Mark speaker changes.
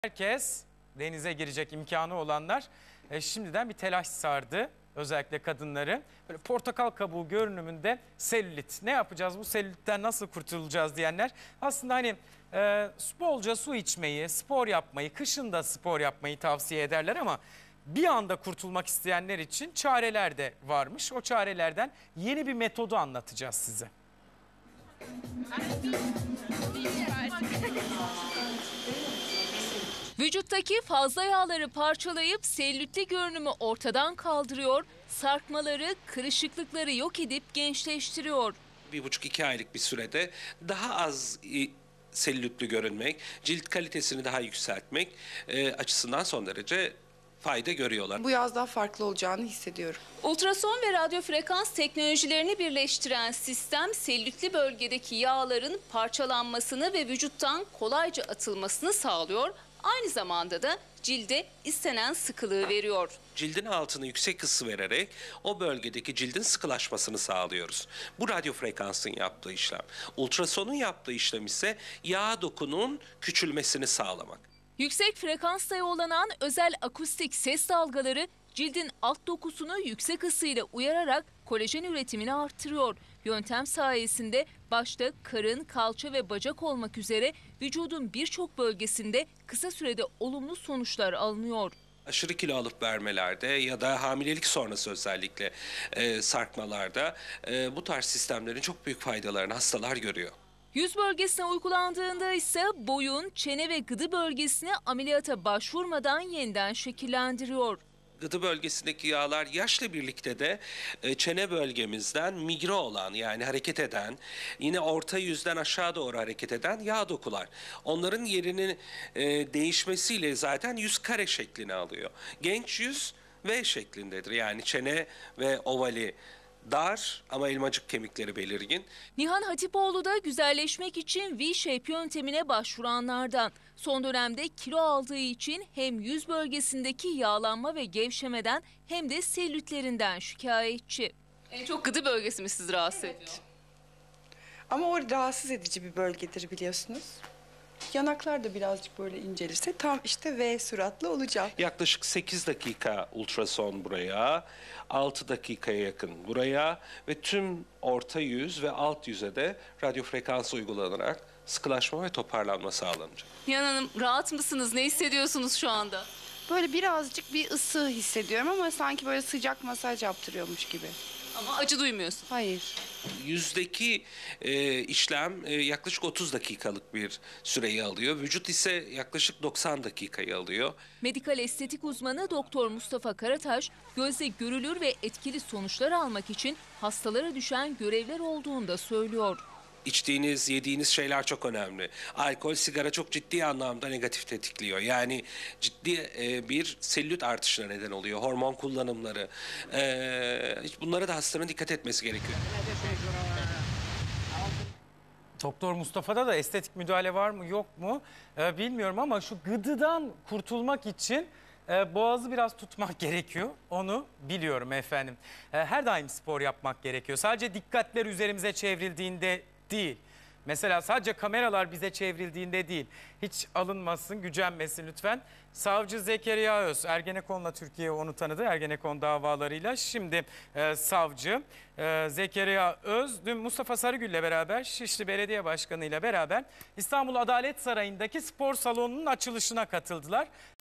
Speaker 1: Herkes denize girecek imkanı olanlar şimdiden bir telaş sardı. Özellikle kadınları. Böyle portakal kabuğu görünümünde selülit. Ne yapacağız, bu selülitten nasıl kurtulacağız diyenler. Aslında hani bolca su içmeyi, spor yapmayı, kışın da spor yapmayı tavsiye ederler ama bir anda kurtulmak isteyenler için çareler de varmış. O çarelerden yeni bir metodu anlatacağız size.
Speaker 2: Vücuttaki fazla yağları parçalayıp selülitli görünümü ortadan kaldırıyor, sarkmaları, kırışıklıkları yok edip gençleştiriyor.
Speaker 3: 1,5-2 aylık bir sürede daha az selülitli görünmek, cilt kalitesini daha yükseltmek açısından son derece fayda görüyorlar.
Speaker 4: Bu yaz daha farklı olacağını hissediyorum.
Speaker 2: Ultrason ve radyo frekans teknolojilerini birleştiren sistem selülitli bölgedeki yağların parçalanmasını ve vücuttan kolayca atılmasını sağlıyor. Aynı zamanda da cilde istenen sıkılığı veriyor.
Speaker 3: Cildin altını yüksek ısı vererek o bölgedeki cildin sıkılaşmasını sağlıyoruz. Bu radyo frekansın yaptığı işlem. Ultrasonun yaptığı işlem ise yağ dokunun küçülmesini sağlamak.
Speaker 2: Yüksek frekansta yollanan özel akustik ses dalgaları cildin alt dokusunu yüksek ısıyla uyararak kolajen üretimini artırıyor. Yöntem sayesinde başta karın, kalça ve bacak olmak üzere vücudun birçok bölgesinde kısa sürede olumlu sonuçlar alınıyor.
Speaker 3: Aşırı kilo alıp vermelerde ya da hamilelik sonrası özellikle sarkmalarda bu tarz sistemlerin çok büyük faydalarını hastalar görüyor.
Speaker 2: Yüz bölgesine uygulandığında ise boyun, çene ve gıdı bölgesini ameliyata başvurmadan yeniden şekillendiriyor.
Speaker 3: Gıdı bölgesindeki yağlar yaşla birlikte de çene bölgemizden migre olan, yani hareket eden, yine orta yüzden aşağı doğru hareket eden yağ dokular. Onların yerinin değişmesiyle zaten yüz kare şeklini alıyor. Genç yüz V şeklindedir, yani çene ve ovali dar ama elmacık kemikleri belirgin.
Speaker 2: Nihan Hatipoğlu da güzelleşmek için V-Shape yöntemine başvuranlardan. Son dönemde kilo aldığı için hem yüz bölgesindeki yağlanma ve gevşemeden hem de selülitlerinden şikayetçi. En çok gıdı bölgesi mi sizi rahatsız ediyor?
Speaker 4: Ama o rahatsız edici bir bölgedir biliyorsunuz. Yanaklar da birazcık böyle incelirse tam işte V suratlı olacak.
Speaker 3: Yaklaşık 8 dakika ultrason buraya, 6 dakikaya yakın buraya ve tüm orta yüz ve alt yüze de radyo frekans uygulanarak sıkılaşma ve toparlanma sağlanacak.
Speaker 2: Nihan Hanım, rahat mısınız? Ne hissediyorsunuz şu anda?
Speaker 4: Böyle birazcık bir ısı hissediyorum ama sanki böyle sıcak masaj yaptırıyormuş gibi.
Speaker 2: Ama acı duymuyorsun.
Speaker 4: Hayır.
Speaker 3: Yüzdeki işlem yaklaşık 30 dakikalık bir süreyi alıyor. Vücut ise yaklaşık 90 dakikayı alıyor.
Speaker 2: Medikal estetik uzmanı Doktor Mustafa Karataş, gözle görülür ve etkili sonuçlar almak için hastalara düşen görevler olduğunu da söylüyor.
Speaker 3: İçtiğiniz, yediğiniz şeyler çok önemli. Alkol, sigara çok ciddi anlamda negatif tetikliyor. Yani ciddi bir selülit artışına neden oluyor. Hormon kullanımları. Bunlara da hastanın dikkat etmesi gerekiyor.
Speaker 1: Doktor Mustafa'da da estetik müdahale var mı yok mu bilmiyorum ama şu gıdıdan kurtulmak için boğazı biraz tutmak gerekiyor. Onu biliyorum efendim. Her daim spor yapmak gerekiyor. Sadece dikkatler üzerimize çevrildiğinde değil. Mesela sadece kameralar bize çevrildiğinde değil. Hiç alınmasın, gücenmesin lütfen. Savcı Zekeriya Öz, Ergenekon'la Türkiye onu tanıdı. Ergenekon davalarıyla. Şimdi savcı Zekeriya Öz dün Mustafa Sarıgül'le beraber, Şişli Belediye Başkanı ile beraber İstanbul Adalet Sarayı'ndaki spor salonunun açılışına katıldılar.